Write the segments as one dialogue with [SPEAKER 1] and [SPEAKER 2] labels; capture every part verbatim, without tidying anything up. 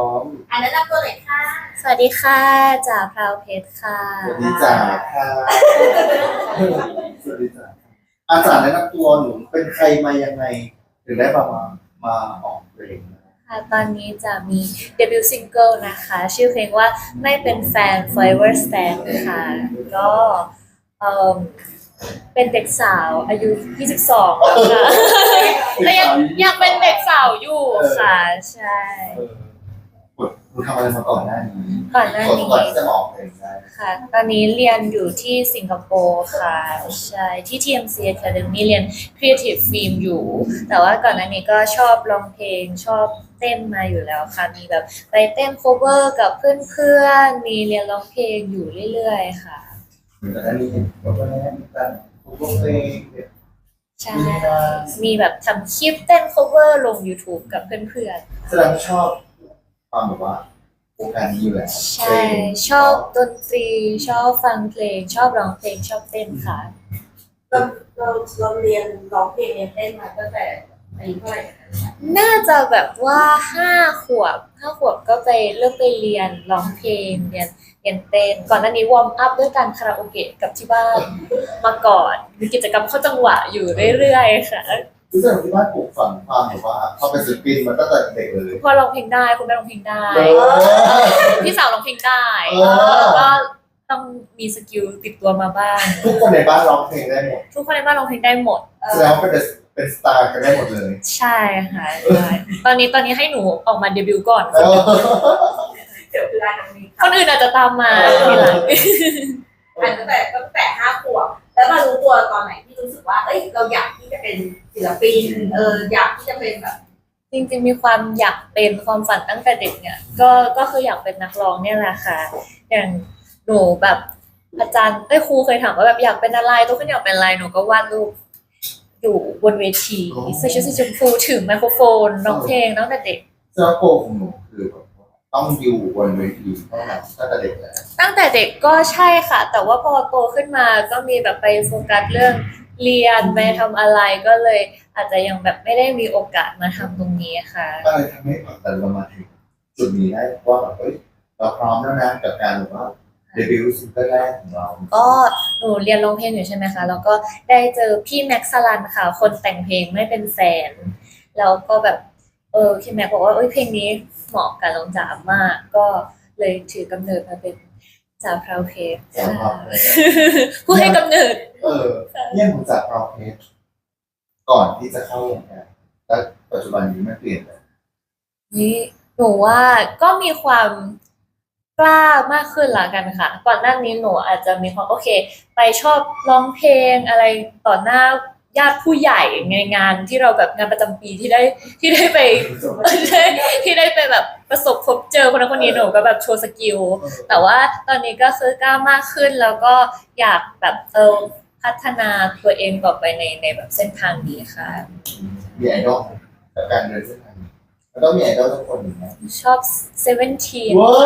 [SPEAKER 1] ม
[SPEAKER 2] อันนั้นรับตัวหน่อยค่ะ
[SPEAKER 3] สวัสดีค่ะจ่าพราวเพชรค่ะ
[SPEAKER 1] สวัสดีจ้าค่ะสวัสดีจ้าอาจารย์แนะนำตัวหนูเป็นใครมายังไงถึงได้มามามาออกเพลง
[SPEAKER 3] ค่ะตอนนี้จะมีเดบิวต์ซิงเกิลนะคะ ชื่อเพลงว่าไม่เป็นแฟน Forever Stand ค่ะก็เอ่อเป็นเด็กสาวอายุยี่สิบสองแล้วค่ะแต่ยังยังเป็นเด็กสาวอยู่ค่ะใช่
[SPEAKER 1] เออหนูทำอะไรมาก่อนหน้านี้
[SPEAKER 3] ก่อนหน้านี้
[SPEAKER 1] ก่อนที่จะมาออกเพลงได้
[SPEAKER 3] ค่ะ ตอนนี้เรียนอยู่ที่สิงคโปร์ค่ะใช่ที่ ที เอ็ม ซี Academy เรียน Creative Film อยู่ แต่ว่าก่อนหน้านี้ก็ชอบร้องเพลงชอบเต้นมาอยู่แล้วค่ะ มีแบบไปเต้น cover กับเพื่อนๆ มีเรียนร้องเพลงอยู่เรื่อยๆ ค่ะ
[SPEAKER 1] เหมือนกันนี้ก็ได้มีการคุยเพลง
[SPEAKER 3] ใช่ มีแบบทำคลิปเต้น cover ลง YouTube กับเพื่อนๆ
[SPEAKER 1] แสดงชอบความแบบว่าวงการนี้อยู่แล้ว
[SPEAKER 3] ใช่ ชอบดนตรีชอบฟังเพลง ชอบร้องเพลงชอบเต้นค่ะ
[SPEAKER 2] เราเราเราเรียนร้องเพลงเรียนเต้นมาตั้งแต่อายุเท่าไหร่คะ
[SPEAKER 3] น่าจะแบบว่าห้าขวบห้าขวบก็ไปเริ่มไปเรียนร้องเพลงเรียนเรียนเต้นก่อนหน้านี้วอร์มอัพด้วยการคาราโอเกะกับที่บ้านมาก่อนมีกิจกรรมเข้าจังหวะอยู่เรื่อยๆค่ะ
[SPEAKER 1] รู้สึกที่บ้านปลูกฝังความแบบว่าเขาเป็นศิลปินมาตั้งแต่เด็กเลย
[SPEAKER 3] พ่อร้องเพลงได้คุณแม่ร้องเพลงได้
[SPEAKER 1] เออ
[SPEAKER 3] พี่สาวร้องเพลงได้
[SPEAKER 1] เออ
[SPEAKER 3] แล้วก็ต้องมีสกิลติดตัวมาบ้าง
[SPEAKER 1] ทุกคนในบ้านร้องเพลงได้หมด
[SPEAKER 3] ทุกคนในบ้านร้องเพลงได้หมด
[SPEAKER 1] แสดงว่าเป็นเป็นสตาร์กันได้หมดเลย
[SPEAKER 3] ใช่ค่ะใช่ตอนนี้ตอนนี้ให้หนูออกมาเดบิวต์ก่อน
[SPEAKER 1] เออ
[SPEAKER 2] เดี๋ยวคือร้านน้องนี้
[SPEAKER 3] คนอื่นอาจจะตามมาทีหลัง
[SPEAKER 2] อันตั้งแต่ตั้งแต่ห้าขวบแล้วมารู้ตัวตอนไหนที่รู้สึกว่าเอ้ยเราอยากที่จะเป็นศิลปินเอออยากที่จะเป็นแบบ
[SPEAKER 3] จริงๆมีความอยากเป็นความฝันตั้งแต่เด็กเนี่ยก็ก็คืออยากเป็นนักร้องเนี่ยแหละค่ะอย่างหนูแบบอาจารย์ได้ครูเคยถามว่าแบบอยากเป็นอะไรตัวขึ้นอยากเป็นอะไรหนูก็วาดรูปอยู่บนเวทีใส่ชุดสีชมพูถือไมโครโฟนร้องเพลงตั้งแต่เด็ก
[SPEAKER 1] เสื้อโกของหนูคือแบบว่าต้องอยู่บนเวทีเท่านั้นตั้งแต่เด็กแล้ว
[SPEAKER 3] ตั้งแต่เด็กก็ใช่ค่ะ แต่ว่าพอโตขึ้นมาก็มีแบบไปโฟกัสเรื่องเรียนไปทำอะไรก็เลยอาจจะยังแบบไม่ได้มีโอกาสมาทำตรงนี้ค่ะ
[SPEAKER 1] ก็เลยทำให้แบบแต่เรามาถึงจุดนี้ได้ว่าแบบเฮ้ยเราพร้อมแล้วนะกับการแบบว่าเดบิวต์ซิงเกิลแรกของเรา
[SPEAKER 3] ก็หนูเรียนร้องเพลงอยู่ใช่ไหมคะแล้วก็ได้เจอพี่แม็กซ์สลันค่ะ คนแต่งเพลงไม่เป็นแฟนแล้วก็แบบเออพี่แม็กซ์บอกว่าเอ้ยเพลงนี้เหมาะกับน้องจ๋ามาก ก็เลยถือกำเนิดมาเป็นจ๋าพราวเพชร
[SPEAKER 1] จ๋าพราวเพชร
[SPEAKER 3] ผู้ให้กำเนิด
[SPEAKER 1] เออเยี่ยมของจากพราวเพชรก่อนที่จะเข้าวงการแล้วปัจจุบันนี้มันเปลี่ยนไป
[SPEAKER 3] นี่หนูว่าก็มีความกล้ามากขึ้นละกันค่ะ ก่อนหน้านี้หนูอาจจะมีความโอเค ไปชอบร้องเพลงอะไรต่อหน้าญาติผู้ใหญ่ในงานที่เราแบบงานประจำปีที่ได้ที่ได้ไป ที่ได้ไปแบบประสบพบเจอคนนั้นคนนี้หนูก็แบบโชว์สกิลแต่ว่าตอนนี้ก็คือกล้ามากขึ้นแล้วก็อยากแบบเออพัฒนาตัวเองต่อไปในในแบบเส้นทางนี้ค่ะ
[SPEAKER 1] มีไอดอลกับการเดินเส้นทางนี้แล้วก็มีไอดอลทุกคนอยู่นะ
[SPEAKER 3] ชอบเซเว่นทีน
[SPEAKER 1] ว้าว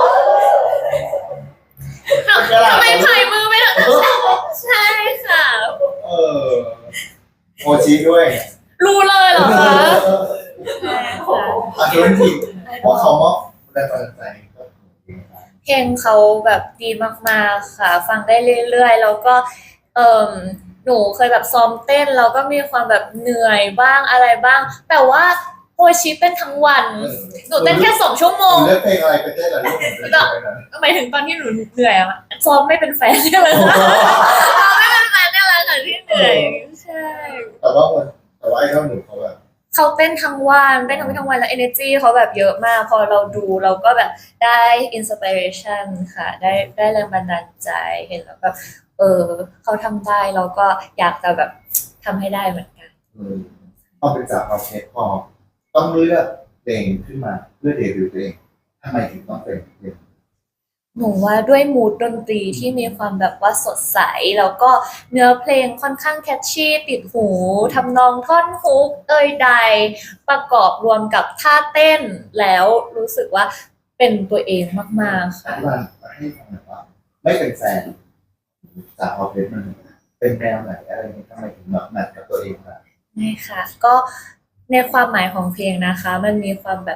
[SPEAKER 3] ทำไมพายมือไม่ได้ใช่ค่ะ
[SPEAKER 1] เออโมชิด้วย
[SPEAKER 3] รู้เลยเหรอคะใช่ค่ะ
[SPEAKER 1] อาจจะเป็นทีเพราะเขามอบแรงบันดาลใจก็ดีนะครับ
[SPEAKER 3] เพลงเขาแบบดีมากๆค่ะ ฟังได้เรื่อยๆแล้วก็เอ่อหนูเคยแบบซ้อมเต้นแล้วก็มีความแบบเหนื่อยบ้างอะไรบ้าง แต่ว่าโอชิเต้นทั้งวันหนูเต้นแค่สองชั่วโมง
[SPEAKER 1] เลือกเพลงอะไรไปเต้นเหรอลูกผมจะไปนะ
[SPEAKER 3] หมายถึงตอนที่หนูเหนื่อยอะซ้อมไม่เป็นแฟนเนี่ยแหละค่ะซ้อมไม่เป็นแฟนเนี่ยแหละค่ะที่เหนื่อยใช่
[SPEAKER 1] แต่ว่าคนแต่ว่าไอดอลหนูเขาแบบ
[SPEAKER 3] เขาเต้นทั้งวันเต้นทั้งวันทั้งวันแล้ว energy เขาแบบเยอะมาก พอเราดูเราก็แบบได้ inspiration ค่ะ ได้ได้แรงบันดาลใจเห็นแล้วแบบเออเขาทำได้เราก็อยากจะแบบทำให้ได้เหมือนกัน
[SPEAKER 1] อืมพอเป็นจากเราเช็คพอต้องเลือกเพลงขึ้นมาเพื่อเดบิวต์ตัวเองทำไมถึงต้องเป็นเพลง
[SPEAKER 3] หนูว่าด้วยมูดดนตรีที่มีความแบบว่าสดใสแล้วก็เนื้อเพลงค่อนข้างแคชชี่ติดหูทำนองท่อนฮุกเอ่ยใด ประกอบรวมกับท่าเต้นแล้วรู้สึกว่าเป็นตัวเองมากๆ
[SPEAKER 1] อ
[SPEAKER 3] ค่ะ
[SPEAKER 1] ธิบายให้ฟังหน่อยว่าไม่เป็นแฟนจากพอเพชรมันเป็นแนวไหนอะไรนี้ทำไมถึงแบบแมทกับตัวเองล่ะ
[SPEAKER 3] นี่ค่ะก็ในความหมายของเพลงนะคะ มันมีความแบบ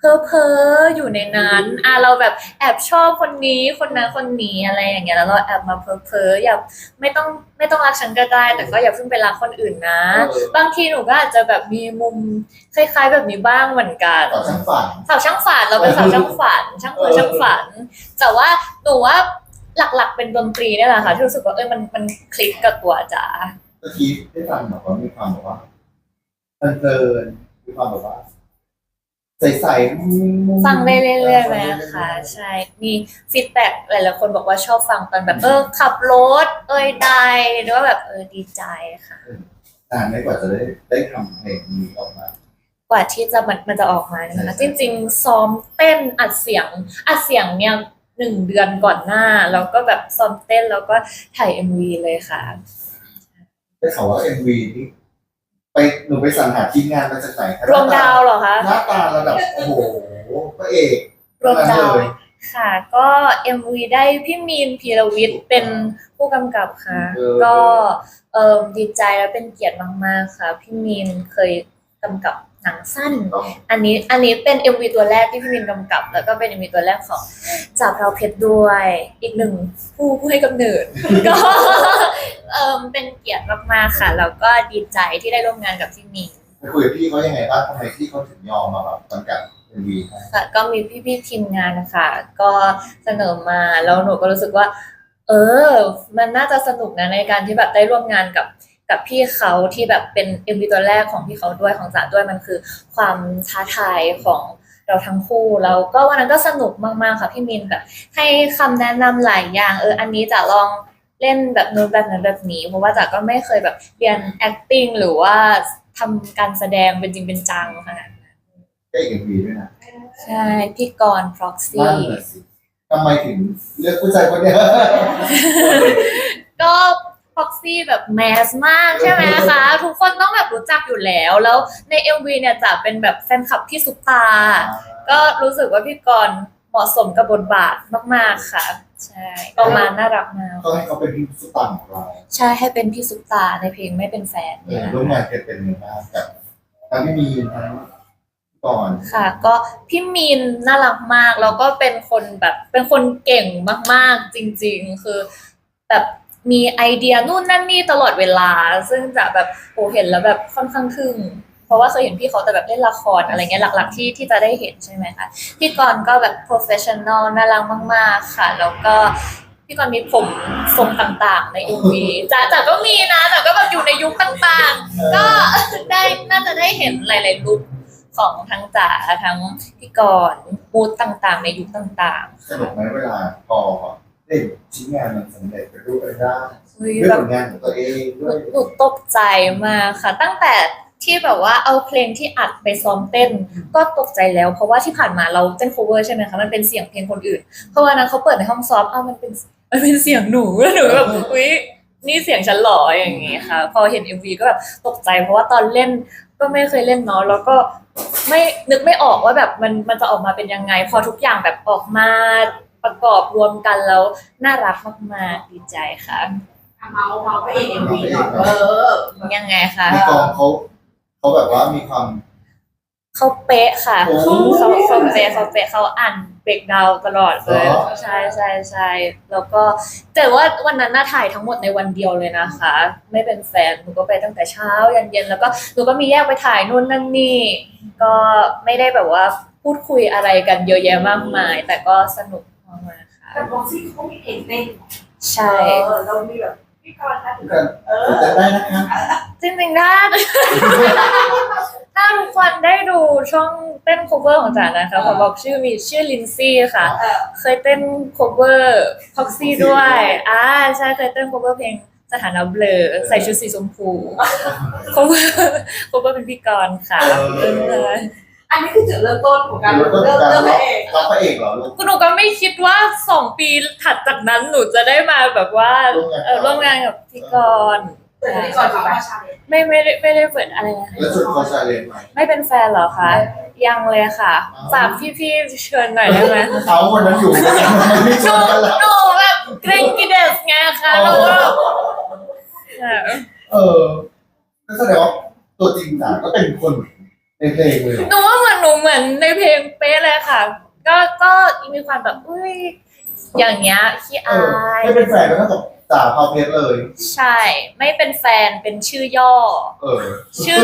[SPEAKER 3] เพ้อเพ้ออยู่ในนั้นอ่ะเราแบบแอบชอบคนนี้คนนั้นคนนี้อะไรอย่างเงี้ยแล้วเราแอบมาเพ้อเพ้ออย่าไม่ต้องไม่ต้องรักฉันก็ได้แต่ก็อย่าเพิ่งไปรักคนอื่นนะ
[SPEAKER 1] เออ
[SPEAKER 3] บางทีหนูก็อาจจะแบบมีมุมคล้ายๆแบบนี้บ้างเหมือนกัน
[SPEAKER 1] ต่อช่างฝัน
[SPEAKER 3] สาวช่างฝันเราเป็นสาวช่างฝัน ช่างเพ้อช่างฝัน แต่ว่าหนูว่าหลักๆเป็นดนตรีเนี่ยแหละค่ะที่รู้สึกว่าเอ้ยมันมันคลิกกับตัวจ๋า
[SPEAKER 1] เมื่อกี้ได้ฟังแบบว่ามีความแบบว่าเพลินๆมีความแบบว่าใสๆ
[SPEAKER 3] ฟังได้เรื่อยๆไหมคะใช่มีฟีดแบ็กหลายๆคนบอกว่าชอบฟังตอนแบบเออขับรถเอ้ยได้หรือว่าแบบเออดีใจค่ะ
[SPEAKER 1] นานไหม่กว่าจะได้ได้ทำเพลงนี้ออกมา
[SPEAKER 3] กว่าที่จะมันมันจะออกมาเนี่ยนะจริงๆซ้อมเต้นอัดเสียงอัดเสียงเนี่ยหนึ่งเดือนก่อนหน้าแล้วก็แบบซ้อมเต้นแล้วก็ถ่ายเอ็มวีเลยค่ะ
[SPEAKER 1] ได้ข่าวว่าเอ็มวีนี่ไปหนูไปสรรหาทีมงานมาจากไหนคะ
[SPEAKER 3] รวมดาวเหรอคะ
[SPEAKER 1] หน้าตาระดับโอ้โหพระเอก
[SPEAKER 3] รวมดาว
[SPEAKER 1] เลย
[SPEAKER 3] ค่ะ ก็ เอ็ม วี ได้พี่มีนพีรวิทย์เป็นผู้กำกับค่ะ
[SPEAKER 1] เออ
[SPEAKER 3] ก็เอ่อดีใจและเป็นเกียรติมากๆค่ะ พี่มีนเคยกำกับหนังสั้น อันนี้อันนี้เป็น เอ็ม วี ตัวแรกที่พี่มินกำกับ แล้วก็เป็น เอ็ม วี ตัวแรกของจ่าเพราเพชรด้วย อีกหนึ่งผู้ผู้ให้กำเนิด ก็เอ่อเป็นเกียรติมากๆค่ะ แล้วก็ดีใจที่ได้ร่วมงานกับพี่มิน
[SPEAKER 1] ไปคุยกับพี่เขายังไงบ้างทำไมพี่เขาถึงยอมมาแบบกำกับเอ็มวีให้
[SPEAKER 3] ค่ะก็มีพี่ๆทีมงานนะคะก็เสนอมาแล้วหนูก็รู้สึกว่า เออ มันน่าจะสนุกนะในการที่แบบได้ร่วมงานกับกับพี่เขาที่แบบเป็น เอ็ม วี ตัวแรกของพี่เขาด้วยของจ๋าด้วยมันคือความท้าทายของเราทั้งคู่แล้วก็วันนั้นก็สนุกมากๆค่ะพี่มินแบบให้คำแนะนำหลายอย่างเอออันนี้จ๋าลองเล่นแบบนู้นแบบนั้นแบบนี้เพราะว่าจ๋าก็ไม่เคยแบบเรียน acting หรือว่าทำการแสดงเป็นจริงเป็นจังขนาดนั้น
[SPEAKER 1] ก็อีกเอ็มวีด้วยนะ
[SPEAKER 3] ใช่พี่กรณ์ proxy
[SPEAKER 1] นั่นแหละสิทำไมถึงเลือกผู้ชายคนเนี้ย
[SPEAKER 3] ก็ proxy แบบแมสมากใช่ไหมคะ ทุกคนต้องแบบรู้จักอยู่แล้ว แล้วใน เอ็ม วี เนี่ยจะเป็นแบบแฟนคลับพี่ซุปตา ก็รู้สึกว่าพี่กรณ์เหมาะสมกับบทบาทมากๆค่ะ ใช่ออกมาน่ารักมาก
[SPEAKER 1] ก็ให้เขาเป็นพี่สุดปังของเรา
[SPEAKER 3] ใช่ให้เป็นพี่ซุปตาในเพลงไม่เป็นแฟน
[SPEAKER 1] เออร่วมงานกันเป็นยังไงบ้างกับทั้งพี่มีนทั้งก่อน
[SPEAKER 3] ค่ะ ก็พี่มีนน่ารักมาก แล้วก็เป็นคนแบบเป็นคนเก่งมากๆจริงๆ คือแบบมีไอเดียนู่นนั่นนี่ตลอดเวลา ซึ่งจะแบบโอ้เห็นแล้วแบบค่อนข้างทึ่ง เพราะว่าเคยเห็นพี่เขาแต่แบบเล่นละครอะไรเงี้ยหลักๆที่ที่จะได้เห็นใช่ไหมคะพี่กรณ์ก็แบบ professional น่ารักมากๆค่ะ แล้วก็พี่กรณ์มีผมทรงต่างๆใน เอ็ม วี จ๋าจ๋าก็มีนะแต่ก็แบบอยู่ในยุคต่างๆ ก็ได้น่าจะได้เห็นหลายๆลุคของทั้งจ๋าทั้งพี่กรณ์มูดต่างๆ ในยุคต่าง
[SPEAKER 1] สนุกไหมเวลาพอได้ชิ้นงานมันสำเร็จไปรูปไปได้
[SPEAKER 3] ๆอุ๊ย
[SPEAKER 1] ด้วย
[SPEAKER 3] แบบ
[SPEAKER 1] ผลงานของตัวเอง
[SPEAKER 3] ห
[SPEAKER 1] ด้วย
[SPEAKER 3] นูหนูตกใจมากค่ะ ตั้งแต่ที่แบบว่าเอาเพลงที่อัดไปซ้อมเต้น ก็ตกใจแล้ว เพราะว่าที่ผ่านมาเราเต้น cover ใช่ไหมคะมันเป็นเสียงเพลงคนอื่น เพราะว่านั้นเขาเปิดในห้องซ้อมอ้าวมันเป็นมันเป็นเสียงหนูแล้วหนูแบบอุ๊ยนี่เสียงฉันเหรออย่างงี้ค่ะ พอเห็น เอ็ม วี ก็แบบตกใจเพราะว่าตอนเล่นก็ไม่เคยเล่นเนาะแล้วก็ไม่นึกไม่ออกว่าแบบมันมันจะออกมาเป็นยังไง พอทุกอย่างแบบออกมาประกอบรวมกันแล้วน่ารักมากๆดีใจค่ะ
[SPEAKER 2] เมาเมาพระเอกเอ็มวีหน่อยเออ
[SPEAKER 3] ยังไงคะ
[SPEAKER 1] ในกองเขาเขาแบบว่ามีความ
[SPEAKER 3] เขาเป๊ะค่ะ
[SPEAKER 1] โอ้
[SPEAKER 3] เขาเขาเป๊ะเขาเป๊ะเขาอ่านเบรกดาวตลอดเลย
[SPEAKER 1] เหรอ
[SPEAKER 3] ใช่ใช่ใช่แล้วก็แต่ว่าวันนั้นน่าถ่ายทั้งหมดในวันเดียวเลยนะคะ ไม่เป็นแฟนหนูก็ไปตั้งแต่เช้ายันเย็นแล้วก็หนูก็มีแยกไปถ่ายนู่นนั่นนี่ ก็ไม่ได้แบบว่าพูดคุยอะไรกันเยอะแยะมากมาย แต่ก็สนุกมากๆค่ะ
[SPEAKER 2] แต่บ็อกซี่เขามีเพลงเต้น
[SPEAKER 3] ใช่
[SPEAKER 2] เออเรามีแบบพี่กรณ์นะ
[SPEAKER 1] กัน
[SPEAKER 2] เออ
[SPEAKER 1] จะได้นะคะ
[SPEAKER 3] จริงๆถ้า ถ้าทุกคนได้ดูช่องเต้น cover ของจ๋านะคะขอบอกชื่อมีชื่อลินซี่ค่ะ
[SPEAKER 2] เออ
[SPEAKER 3] เคยเต้น cover Proxy ด้วย อ่าใช่เคยเต้น cover เพลงสถานะเบลอใส่ชุดสีชมพู cover cover เป็นพี่กรณ์ค่ะเออ
[SPEAKER 2] อันนี้คือจุดเริ่มต้นของการ
[SPEAKER 1] เริ่มต้น
[SPEAKER 2] เริ่ม
[SPEAKER 1] การ
[SPEAKER 2] เริ่มพระเอก
[SPEAKER 1] รับพระเอกเหรอลูก
[SPEAKER 3] หนูก็ไม่คิดว่าสองปีถัดจากนั้นหนูจะได้มาแบบว่า
[SPEAKER 1] ร่วมงาน
[SPEAKER 3] เออร่วมงานกับพี่กรณ์
[SPEAKER 2] เปิดที่ก่อนมาชาเลนจ์
[SPEAKER 3] ไม่ไม่ได้ไม่ได้เปิดอะไรนะ
[SPEAKER 1] แล้วชุดคอชาเลนจ์ไหม
[SPEAKER 3] ไม่เป็นแฟนเหรอคะ ยังเลยค่ะฝากพี่ๆเชิญหน่อยได้ไหม
[SPEAKER 1] เขาคนนั้นอยู่กันมันไม่
[SPEAKER 3] ห
[SPEAKER 1] ช
[SPEAKER 3] นู
[SPEAKER 1] วนกันแล้ว
[SPEAKER 3] หนูแบบเกรงกิเดสไงคะแล้วก็เออ
[SPEAKER 1] เออก็แสดงว่าตัวจริงจ๋าก็เป็นคนในเพลงเลยเหรอ
[SPEAKER 3] หนูว่าเหมือนหนูเหมือนในเพลงเป๊ะเลยค่ะ ก็ก็มีความแบบอุ้ยอย่างเงี้ยขี้
[SPEAKER 1] เอ
[SPEAKER 3] อา
[SPEAKER 1] อย ไม่เป็นแฟนก็เท่ากับจ่าพาวเพชรเลย
[SPEAKER 3] ใช่ ไม่เป็นแฟนเป็นชื่อย่อ
[SPEAKER 1] เออ
[SPEAKER 3] ชื่อ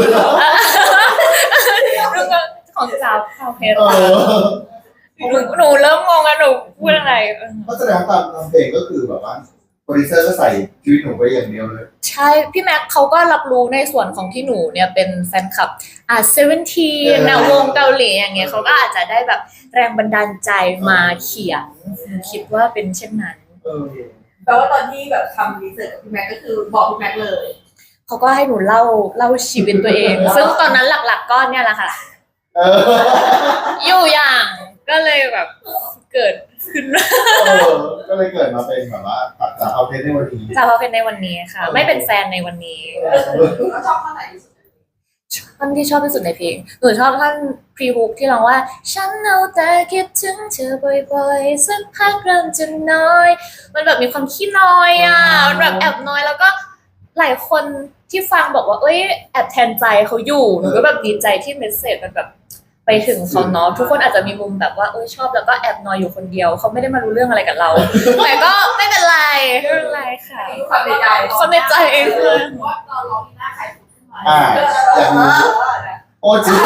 [SPEAKER 3] ของสาวคาวเพชร
[SPEAKER 1] เออ
[SPEAKER 3] หนูหนูเริ่มงงอะหนูพูดอะไรเออ
[SPEAKER 1] เพราะแสดงว่าตามทำเพลงก็คือแบบว่าโปรดิวเซอร์ก็ใส่ชีวิตหนูไปอย่างเดียวเลย
[SPEAKER 3] ใช่พี่แม็กเขาก็รับรู้ในส่วนของที่หนูเนี่ยเป็นแฟนคลับอ่าเซเว่นทีนะวงเกาหลีอย่างเงี้ยเขาก็อาจจะได้แบบแรงบันดาลใจมาเขียนคิดว่าเป็นเช่นนั้น
[SPEAKER 1] เออ
[SPEAKER 2] แปลว่าตอนที่แบบทำรีเสิร์ชกับพี่แม็กก็คือบอกพี่แม็กเลย
[SPEAKER 3] เขาก็ให้หนูเล่าเล่าชีวิตตัวเอง ซึ่งตอนนั้นหลักๆก็เนี่ยแหละค่ะ
[SPEAKER 1] เออ
[SPEAKER 3] อยู่อย่างก็เลยแบบเกิดขึ้น
[SPEAKER 1] เออ ก็เลยเกิดมาเป็นแบบว่าตัดจากเอาเพชรในวันนี้
[SPEAKER 3] จะมาเป็นในวันนี้ค่ะ ไม่เป็นแฟนในวันนี้
[SPEAKER 2] แล้วชอบข้อไหนที่สุด
[SPEAKER 3] ท่อนที่ชอบที่สุดในเพลงหนูชอบท่อนพรีฮุกที่ร้องว่าฉันเอาแต่คิดถึงเธอบ่อยๆสักพักเริ่มจะน้อย มันแบบมีความขี้น้อยอ่ะมันแบบแอบน้อยแล้วก็หลายคนที่ฟังบอกว่าเอ้ยแอบแทนใจเขาอยู่หนูก็แบบดีใจที่เมสเซจมันแบบไปถึงเขาเนาะทุกคนอาจจะมีมุมแบบว่าเอ้ยชอบแล้วก็แอบนอยอยู่คนเดียวเขาไม่ได้มารู้เรื่องอะไรกับเรา แต่ก็ไม่เป็นไรไม่เป็นไรค่ะ
[SPEAKER 2] ความในใจ
[SPEAKER 3] ความในใจเองเลย
[SPEAKER 2] ว่าตอนร้องหน้าใครพูดขึ้นมา
[SPEAKER 1] อ่าอย่างนี้โอ้จริง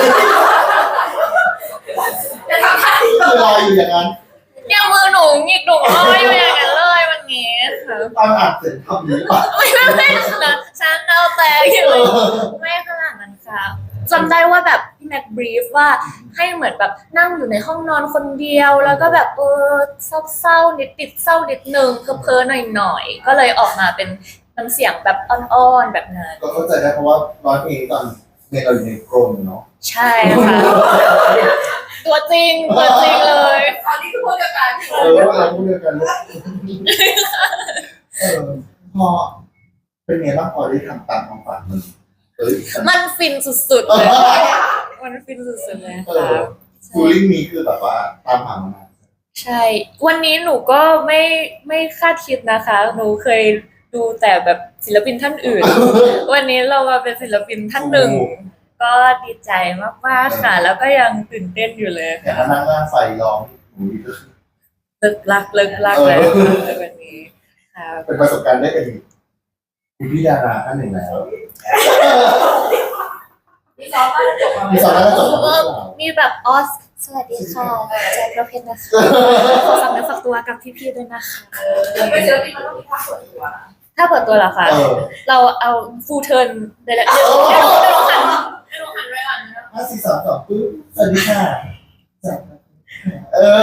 [SPEAKER 2] จะทำท่าที่
[SPEAKER 1] คือรออยู่อย่างนั้น
[SPEAKER 3] เนี่ยมือหนูหงิกหนูลอยอยู่อย่างนั้นเลยวันนี้ค่ะ
[SPEAKER 1] ตอนอ่านเสร็จทำนี้ป่ะ
[SPEAKER 3] ไม่ไม่ไม่นะฉันเอาแต่อยู่ไม่ขนาดนั้นค่ะจำได้ว่าแบบพี่แม็กบรีฟว่าให้เหมือนแบบนั่งอยู่ในห้องนอนคนเดียว แล้วก็แบบเออเศร้าๆนิดติดเศร้านิดนึงเพ้อๆหน่อยๆก็เลยออกมาเป็นน้ำเสียงแบบอ่อนๆแบบนั้น
[SPEAKER 1] ก็เข้าใจได้เพราะว่าร้องเพลงตอนเพลงเราอยู่ในกรงเนาะ
[SPEAKER 3] ใช่ค่ะตัวจริงตัวจริงเลย
[SPEAKER 2] ตอนนี้คือพูดเดียวกัน
[SPEAKER 1] เออว่าเราพูดเดียวกันลูกเออพอเป็นไงบ้างพอได้ทำตามความฝันมันเอ้ย
[SPEAKER 3] มันฟินสุดๆเลยมันฟินสุดๆเลย
[SPEAKER 1] เอ
[SPEAKER 3] ค่ะ
[SPEAKER 1] อฟูลิ่งนี้คือแบบว่าตามหามานาน
[SPEAKER 3] ใช่ วันนี้หนูก็ไม่ไม่คาดคิดนะคะ หนูเคยดูแต่แบบศิลปินท่านอื่น วันนี้เรามาเป็นศิลปินท่านหนึ่ง ก็ดีใจมากๆค่ะ แล้วก็ยังตื่นเต้นอยู่เลย
[SPEAKER 1] แต่
[SPEAKER 3] ค่ะ
[SPEAKER 1] ถ้านั่งหน้าไฟร้องหนูก็คือ
[SPEAKER 3] เลิกลักเลิกลักเลยค่ะวันนี้ค่ะ
[SPEAKER 1] เป็นประสบการณ์ได้เป็นคุณพี่ดาราท่านหนึ่งแล้ว
[SPEAKER 2] มีซ้อมก็จบแล้ว
[SPEAKER 1] มีสอนแล้วก็จบแล้วหรือเปล่า
[SPEAKER 3] มีแบบออส สวัสดีค่ะแจ็คประเพชรนะคะขอฝากเนื้อฝากตัวกับพี่ๆด้วยนะคะ
[SPEAKER 2] ไม่เจอที่มันต้องมีท่าเปิดตัว
[SPEAKER 3] ถ้าเปิดตัวเหรอคะ
[SPEAKER 1] เออ
[SPEAKER 3] เราเอาฟูเทิร์นได้แล้วเดี๋ยวเดี๋ยวเดี๋ยวหันเดี๋ยวหันไว้ก่อนนะ
[SPEAKER 1] ห้าสี่สามสองปึ๊บสวัสดีค่ะจับเออ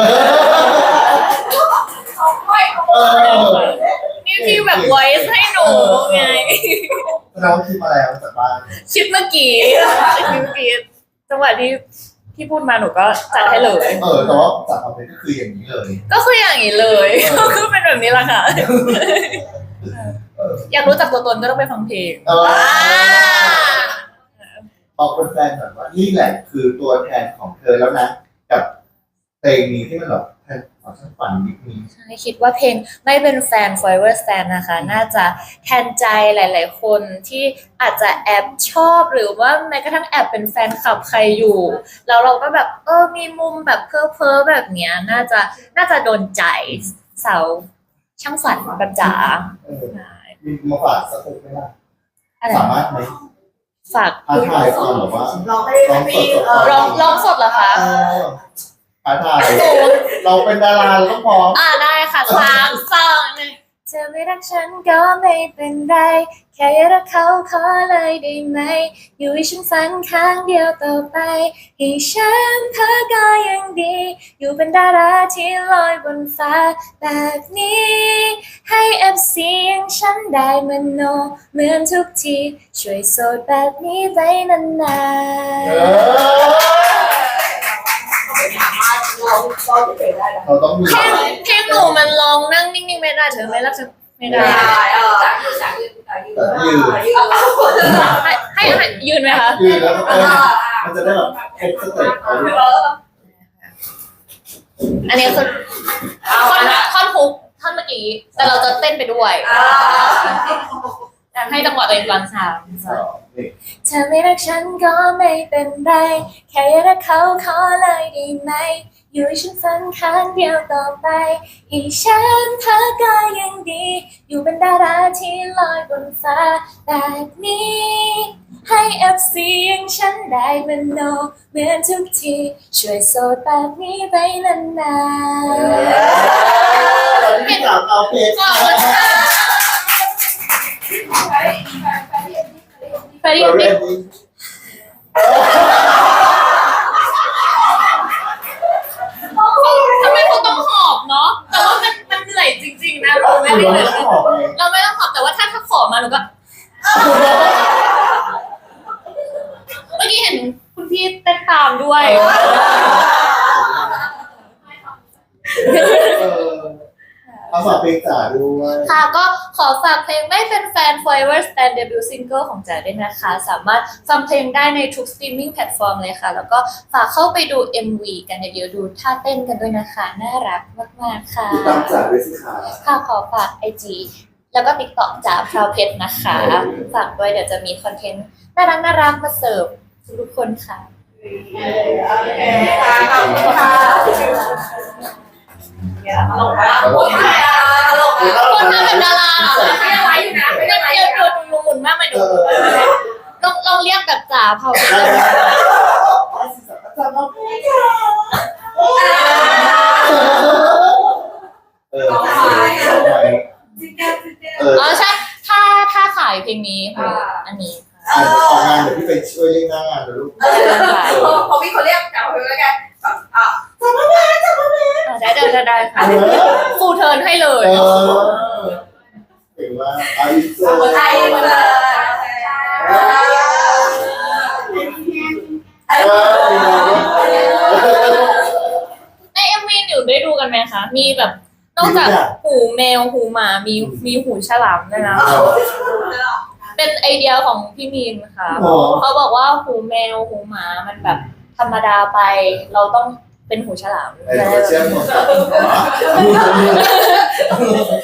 [SPEAKER 2] เขาไม่เขา
[SPEAKER 1] เออ
[SPEAKER 3] นี่พี่แบบ voice ให้หนูไง
[SPEAKER 1] เราคิดมาแล้วจากบ้าน
[SPEAKER 3] คิดเมื่อกี้คิดเมื่อกี้จังหวะที่พี่พูดมาหนูก็จัดให้เลย
[SPEAKER 1] เออแต่ว่าจากความเป็นก็คืออย่างนี้เลย
[SPEAKER 3] ก็คืออย่างนี้เลย ก็คือเป็นแบบนี้แหละค่ะ
[SPEAKER 1] เออ
[SPEAKER 3] อยากรู้จักตัวตนก็ต้องไปฟังเพลง
[SPEAKER 1] เออบอกแฟนๆหน่อยว่านี่แหละคือตัวแทนของเธอแล้วนะ กับเพลงนี้ที่มันแบบแทนของฉันฝันนิดนึง
[SPEAKER 3] ใช่คิดว่าเพลงไม่เป็นแฟน Forever Stand นะคะ น่าจะแทนใจหลาย ๆ คนที่อาจจะแอบชอบหรือว่าแม้กระทั่งแอบเป็นแฟนคลับใครอยู่ แล้วเราก็แบบเออมีมุมแบบเพ้อเพ้อๆแบบเนี้ย น่าจะน่าจะโดนใจสาวช่างฝันแบบจ๋า
[SPEAKER 1] เออมีมาฝากสักคนไหมล่ะ
[SPEAKER 3] อะไร
[SPEAKER 1] สามารถไหม
[SPEAKER 3] ฝาก
[SPEAKER 1] ท้าทายตอนแบบว่า
[SPEAKER 2] เราให้พี่เออ
[SPEAKER 3] ร้องร้องสดเหรอคะ
[SPEAKER 1] เออท้าทายเราเป็นดาราเราต้องพร้อม
[SPEAKER 3] อ่าได้ค่ะสามสองหนึ่งเธอไม่รักฉันก็ไม่เป็นไร แค่รักเขาขอเลยได้ไหม อยู่ให้ฉันฝันข้างเดียวต่อไป ให้ฉันเพ้อก็ยังดี อยู่เป็นดาราที่ลอยบนฟ้าแบบนี้ ให้เอฟซีอย่างฉันได้มโนเหมือนทุกที ช่วยโสดแบบนี้ไปนาน
[SPEAKER 1] เอ
[SPEAKER 3] ๆ
[SPEAKER 1] อ
[SPEAKER 2] ไม่สามารถร้องร้องเฉยๆได้นะ
[SPEAKER 1] เราต้องมี
[SPEAKER 3] เพลงเพลงหนูมันร้องนั่งนิ่งๆไม่ได้เธอไม่รักฉันไม่ได้
[SPEAKER 2] ได้เออจากยืนจากยืนจากยืนยืน
[SPEAKER 3] ให้ให้ให้ยืนไหมคะ
[SPEAKER 1] ยืนแล้วก็เออมันจะได้แบบครบสเต็ปเอาด้วย
[SPEAKER 3] อันนี้คือท่อนท่อนฮุกท่อนเมื่อกี้ แต่เราจะเต้นไปด้วย
[SPEAKER 2] อ่า
[SPEAKER 3] ได้อ่ะให้จังหวะตัวเองฟังสาม
[SPEAKER 1] สองหนึ่ง
[SPEAKER 3] เธอไม่รักฉันก็ไม่เป็นไรแค่อยากรักเขาขอเลยได้ไหมอยู่ให้ฉันฝันข้างเดียวต่อไปให้ฉันเธอก็ยังดีอยู่เป็นดาราที่ลอยบนฟ้าแบบนี้ให้เอฟซีอย่างฉันได้มโนเหมือนทุกทีช่วยโสดแบบนี้ไปนานๆ
[SPEAKER 1] ที่สามเอาเพจ
[SPEAKER 3] ขอบคุณค่ะไปดิ
[SPEAKER 1] เรา
[SPEAKER 3] ไป
[SPEAKER 1] เล่น
[SPEAKER 3] ดิ
[SPEAKER 1] นี้
[SPEAKER 3] ทำไมคุณต้องหอบเนาะแต่ว่ามันมันเหนื่อยจริงๆนะเราไม่
[SPEAKER 1] เรา
[SPEAKER 3] ได้
[SPEAKER 1] ไม่ต้องออกไง
[SPEAKER 3] เราไม่ต้องหอบแต่ว่าถ้าถ้าขอมาหนูก็เมื่อกี้เห็นคุณพี่เต้นตามด้วย
[SPEAKER 1] เออเอาฝากเพลงจ๋าด้วย
[SPEAKER 3] ค่ะก็ขอฝากเพลงไม่เป็นแฟน Forever Stand Debut Single ของจ๋าด้วยนะคะ สามารถฟังเพลงได้ในทุก streaming platform เลยค่ะ แล้วก็ฝากเข้าไปดู เอ็ม วี กันเดี๋ยวดูท่าเต้นกันด้วยนะคะ น่ารักมากๆค่ะ
[SPEAKER 1] ติดตามจ๋าด้วยสิคะ
[SPEAKER 3] ค่ะขอฝาก ไอ จี แล้วก็ TikTok จ๋าพราวเพชรนะคะ ฝากด้วยเดี๋ยวจะมีคอนเทนต์น่ารักน่ารักมาเสิร์ฟทุกคนค่ะ
[SPEAKER 2] ขอบคุณค่ะตลกมากตลกมากตลก
[SPEAKER 1] เออ
[SPEAKER 2] มาก
[SPEAKER 3] คนทำแบบดาราเหรอ
[SPEAKER 2] ไม่ได้ไว้อยู่นะไม่ได้ไว้อ
[SPEAKER 3] เดี๋ยว
[SPEAKER 2] ยู่
[SPEAKER 3] ตัว
[SPEAKER 2] นะ
[SPEAKER 3] หมุนๆมากไหม
[SPEAKER 1] เอ
[SPEAKER 3] ดู
[SPEAKER 1] อ
[SPEAKER 3] ลองลองเรียกแบบจ๋าพราวเพชร
[SPEAKER 1] ได้ได้จ๋าเอาเพลงจ๋าเออสองไหมเออ
[SPEAKER 3] อ๋อใช่ ถ้าถ้าขายเพลงนี้ค่ะอันนี้ค่ะ
[SPEAKER 1] อ่านออกงานเดี๋ยวพี่ไปช่วยเล่นหน้างานนะลูก
[SPEAKER 2] เออพอพี่เขาเรียกกลับมาแล้วกันอ่ะ
[SPEAKER 3] อ่าได้ได้ได้ได้ค่ะ
[SPEAKER 1] เออ
[SPEAKER 3] ฟูลเทิร์นให้เลย
[SPEAKER 1] เออเก่งมากอาอินเซอร์
[SPEAKER 2] ไทยมาเลย
[SPEAKER 1] เออ
[SPEAKER 3] ในเอ็มวีหนูได้ดูกันไหมคะ มีแบบนอกจากหูแมวหูหมามีมีหูฉลามด้วยนะ เป็นไอเดียของพี่มีนค่ะ
[SPEAKER 1] อ๋อ
[SPEAKER 3] เขาบอกว่าหูแมวหูหมามันแบบธรรมดาไป เราต้องเป็นหูฉลาม
[SPEAKER 1] ไอ้ตัวเชื่อมของ